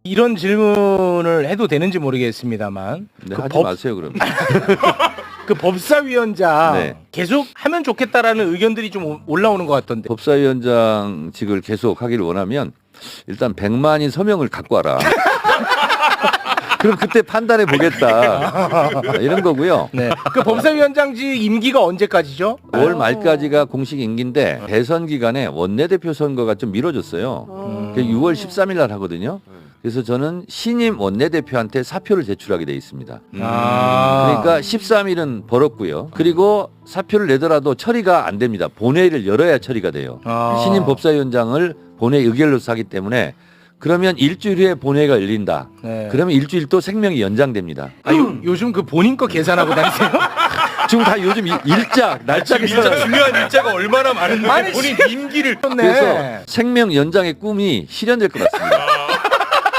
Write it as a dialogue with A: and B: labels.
A: 이런 질문을 해도 되는지 모르겠습니다만
B: 네,
A: 그
B: 하지 마세요 그럼.
A: 그 법사위원장
B: 네.
A: 계속 하면 좋겠다라는 의견들이 좀 올라오는 것 같던데.
B: 법사위원장직을 계속 하기를 원하면 일단 100만인 서명을 갖고 와라. 그럼 그때 판단해 보겠다. 이런 거고요.
A: 네. 그 법사위원장직 임기가 언제까지죠?
B: 5월 말까지가 공식 임기인데 대선 기간에 원내대표 선거가 좀 미뤄졌어요. 그게 6월 13일 날 하거든요. 그래서 저는 신임 원내대표한테 사표를 제출하게 돼 있습니다. 그러니까 13일은 벌었고요. 그리고 사표를 내더라도 처리가 안 됩니다. 본회의를 열어야 처리가 돼요. 신임 법사위원장을 본회의 의결로서 하기 때문에 그러면 일주일 후에 본회의가 열린다.
A: 네.
B: 그러면 일주일 또 생명이 연장됩니다.
A: 요즘 그 본인 거 계산하고 다니세요?
B: 지금 다 요즘 일자 날짜가
C: 진짜 중요한 일자가 얼마나 많은데
A: 아니,
C: 본인 임기를
B: 그래서 생명 연장의 꿈이 실현될 것 같습니다.